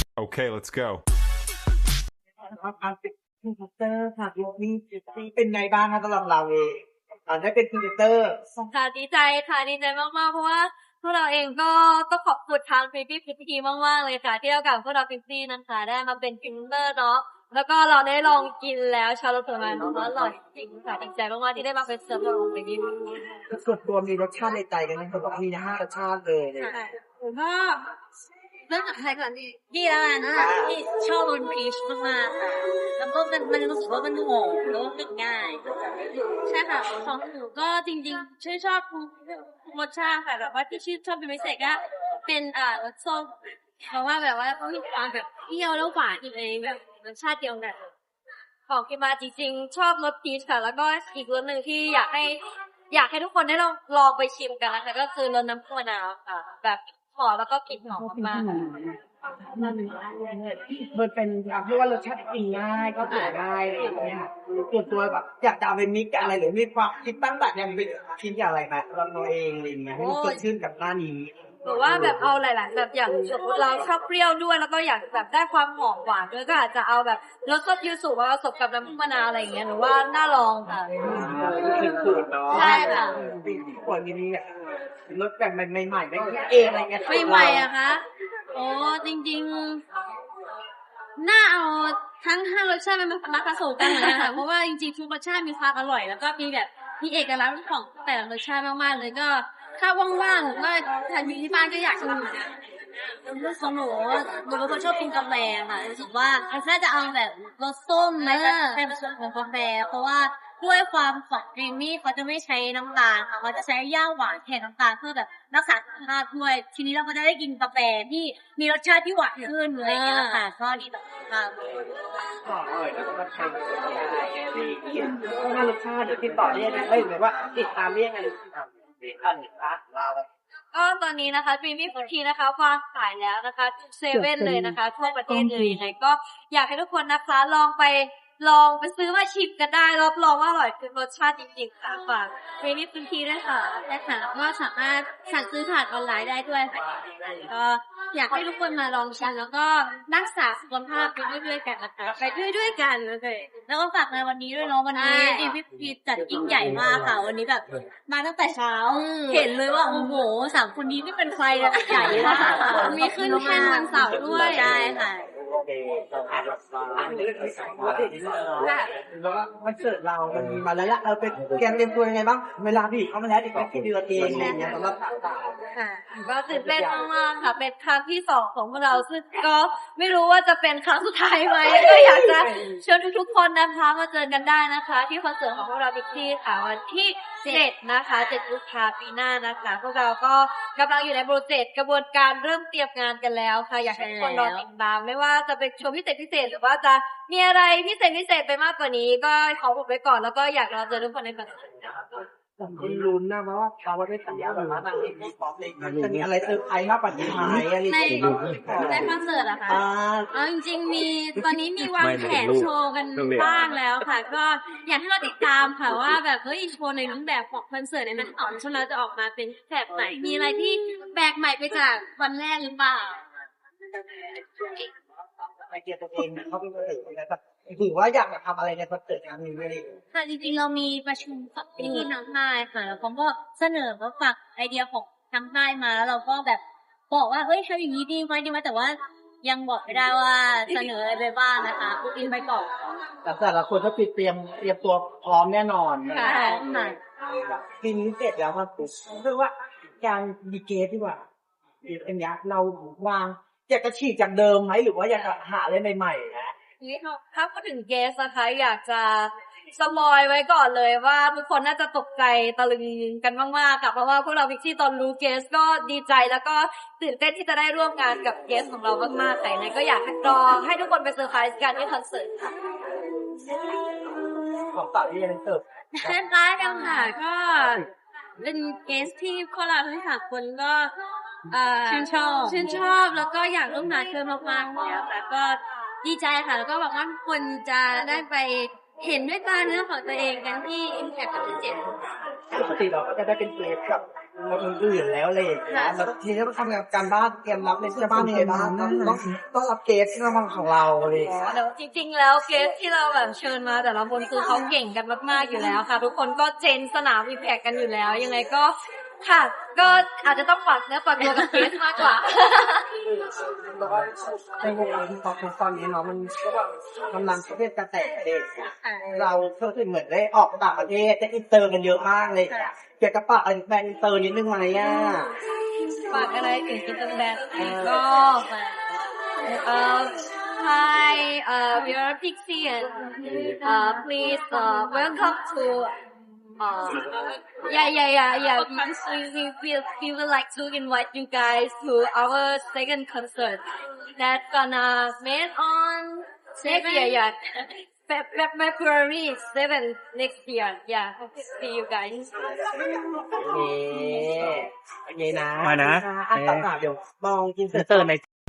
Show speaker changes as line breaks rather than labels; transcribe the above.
Okay, let's go.
ครับการเป็นพรีเซนเตอร์ค่ะโลนี่เป็นไงบ้างคะสำหรับเราเองได้เป็นพรีเซนเตอร์
ค่ะดีใจค่ะดีใจมากๆเพราะว่าพวกเราเองก็ต้องขอบคุณทางฟิฟี่ฟิฟี่มากๆเลยค่ะที่เรากับพวกเราฟิฟี่นะคะได้มาเป็นพรีเซนเตอร์เนาะแล้วก็เราได้ลองกินแล้วชาโลตมาเนาะอร่อยจริงค่ะดีใจมากๆที่ได้มาเป็นเซอร์ฟของฟิฟี่
ส่วนตัวมีรสชาติในใจกันไหมเขาบอกมีนะ5 รสชาติเลยเนี่ย
ผมก็เริ่มจากใครก่อนดีแล้วกันนะที่ชอบรสพีชมากๆค่ะแล้วก็มันรู้สึกว่ามันหอมแล้วก็กินง่ายใช่ค่ะของหนูก็จริงๆชอบทุกรสชาติค่ะแบบว่าที่ชื่นชอบเป็นพิเศษก็เป็นรสส้มเพราะว่าแบบว่าเขามีความแบบเปรี้ยวแล้วหวานอยู่ในแบบรสชาติเดียวกันของกินมาจริงๆชอบรสพีชค่ะแล้วก็อีกรสหนึ่งที่อยากให้ทุกคนได้ลองไปชิมกันนะคะก็คือรสน้ำผึ้งมะนาวค่ะแบบหอมแล้วก็กลิ่นหอมมากๆ
มันเป็นเรียกว่ารสชาติกินง่ายก็ทานง่ายอะไรอย่างเงี้ยส่วนตัวแบบอยากจะเอาไปมิกกับอะไรหรือมีความคิดตั้งแต่ยังเป็นคิดอย่างไรไหมเราเองอะไรอย่างเงี้ยให้มันเกิดขึ้นกับหน้านี้
หรือว่าแบบเอาหลายๆแบบอย่างสมมติเราชอบเปรี้ยวด้วยแล้วก็อยากแบบได้ความหอมหวานด้วยก็อาจจะเอาแบบรสส้มยูสุมาผสมกับน้ำผึ้งมะนาวอะไรอย่างเงี้ยหรือว่าน่าลองค่ะใช่ค่ะ
ปีที่ควรนี้เนี่ยรสแบบใหม่ๆไม่คิดเองอะไรเงี้ย
ใหม่ๆอะคะโอ้จริงๆน่าเอาทั้ง5 รสชาติมาผสมกันเหมือนกันค่ะเพราะว่าจริงๆทุกรสชาติมีความอร่อยแล้วก็มีเอกลักษณ์ของแต่ละรสชาติมากๆเลยก็ถ้าว่างๆก็ทานอยู่ที่บ้านก็อยากจะของหนูเป็นคนชอบกินกาแฟค่ะรู้สึกว่าน่าจะเอาแบบรสส้มนะให้ผสมกับกาแฟเพราะว่าด้วยความของดรีมมี่เขาจะไม่ใช้น้ำตาลค่ะเขาจะใช้ย่าหวานแทนน้ำตาลเพื่อแบบรักษาสุขภาพด้วยทีนี้เราก็จะได้กินกาแฟที่มีรสชาติที่หวานขึ้นอะไรอย่างเงี้ยค่ะก็ดีต่อสุขภาพ
อร่อยแล้วก็ใช้ดีถ้ารสชาติเดี๋ยวติดต่อเรียกไม่หรือว่าติดตามเรียกไง
ก็ตอนนี้นะคะมีฟูดทีนะคะวางขายแล้วนะคะเซเว่นเลยนะคะทั่วประเทศเลยยังไงก็อยากให้ทุกคนนะคะลองไปซื้อมาชิมกันได้รับรองว่าอร่อยคือรสชาติจริงๆค่ะฝากมีฟูดทีด้วยค่ะและค่ะก็สามารถสั่งซื้อผ่านออนไลน์ได้ด้วยค่ะก็อยากให้ทุกคนมาลองชิมแล้วก็รักษาสุขภาพไปด้วยกันนะคะไปด้วยกันเลยแล้วก็ฝากในวันนี้ด้วยเนาะวันนี้มีฟูดทีจัดยิ่งใหญ่มากค่ะวันนี้แบบมาตั้งแต่เช้าเห็นเลยว่าโอ้โห3 คนนี้นี่เป็นใครอะใหญ่มากมีขึ้นแท่นวันเสาร์ด้วยใช่ค่ะ
แล้วก็มันเสิร์ฟเรามันมีมาแล้วละเราเป็นแกนเตรียมตัวยังไงบ้างเวลาพี่เขามาแล้วอีกไม่กี่เดือนเองอะไรเงี้ยสำหรับ
ค่ะก็ตื่นเต้นมากๆค่ะเป็นครั้งที่2ของพวกเราซึ่งก็ไม่รู้ว่าจะเป็นครั้งสุดท้ายไหมก็อยากจะเชิญทุกๆคนนะคะมาเจอกันได้นะคะที่คอนเสิร์ตของพวกเราบิ๊กซี่ค่ะวันที่7นะคะ7 กุมภาพันธ์ปีหน้านะคะพวกเราก็กำลังอยู่ในโปรเจกต์กระบวนการเริ่มเตรียมงานกันแล้วค่ะอยากให้ทุกคนรอติดตามไม่ว่าจะเป็นโชว์พิเศษหรือว่าจะมีอะไรพิเศษไปมากกว่านี้ก็ขออุบไว้ก่อนแล้วก็อยากรอเจอทุกคนในคอนเสิร์ต
คุณลุ้นนะว่าเขาได้สัญญาแบบนั้นจะมีอะไรเซอร์ไพรส์มากกว่านี้ไหมอะไร
ในคอนเสิร์ตอะค่ะจริงๆมีตอนนี้มีวางแผนโชว์กันบ้างแล้วค่ะก็อยากให้เราติดตามค่ะว่าแบบโชว์ในรูปแบบของคอนเสิร์ตในนั้นออกช่วงเราจะออกมาเป็นแบบไหนมีอะไรที่แปลกใหม่ไปจากวันแรกหรือเปล่า
ไอเดียตัวเองเขาเป็นคนอื่นแบบถือว่าอยากทำอะไรในคอนเสิร์ตครั้งนี้เลย
ค่ะจริงๆเรามีประชุมกับพี่น้องค่ายค่ะแล้วเขาก็เสนอว่าฝากไอเดียของทางค่ายมาแล้วเราก็แบบบอกว่าทำอย่างนี้ดีไหมแต่ว่ายังบอกไม่ได้ว่าเสนออะไรบ้างนะคะพูดอินไปก่อน
แต่ละคนก็เตรียมตัวพร้อมแน่นอน
ค่ะ
ปีนี้เสร็จแล้วครับคือว่าการดีเกสดีกว่าอันนี้เราวางอยากจะฉีกจากเดิมไหมหรือว่าอยากจะหาอะไรใหม่ๆนะ
นี่ถ้าพูดถึงเกสนะคะอยากจะสปอยไว้ก่อนเลยว่าทุกคนน่าจะตกใจตะลึงกันมากๆค่ะเพราะว่าพวกเราพิกซี่ตอนรู้เกสก็ดีใจแล้วก็ตื่นเต้นที่จะได้ร่วมงานกับเกสของเรามากๆค่ะเลยก็อยากรอให้ทุกคนไปเซอร์ไพรส์กันที่คอนเสิร์ตค่ะ
ของต่อที่ยังเสิร์ฟ
คล้ายๆกันค่ะก็เป็นเกสที่พวกเราทั้ง3 คนก็ชื่นชอบแล้วก็อยากร่วมงานเพิ่มมากๆเนี่ยค่ะก็ดีใจค่ะแล้วก็หวังว่าทุกคนจะได้ไปเห็นด้วยตาเนื้อของตัวเองกันที่ Impact กับที่7
ปกติเราก็จะได้เป็นเกสกับคนอื่นแล้วเลยแล้วทีนี้ต้องทำการบ้านเตรียมรับในเสื้อบ้านยังไงบ้างต้องรับเกสที่มาของเราเลย
เดี๋ยวจริงๆแล้วเกสที่เราแบบเชิญมาแต่ละคนคือเขาเก่งกันมากๆอยู่แล้วค่ะ ทุกคนก็เจนสนามอิมแพคกันอยู่แล้ว ยังไงก็ค่ะก็อาจจะต้องฝากเนื้อฝากตัวกับเกสมากกว่า
ในวงการที่ป๊อปตอนนี้เนาะมันก็แบบกำลังประเทศกระแตเด็กเราเพิ่งเหมือนได้ออกต่างประเทศได้อินเตอร์กันเยอะมากเลยเกี่ยวกับปากแบรนด์อินเตอร์นิดนึงไหมอ่ะ
ฝากอะไรถึงกิจแบรนด์ก็hi we are Pixie and please welcome to yeah we would like to invite you guys to our second concert that's gonna made on next year yeah February 7 next year yeah see you guys
โอเคนะ
มานะ
อ่ะต่อเดี๋ยวมองกินเสร็จ
เตอร์ใน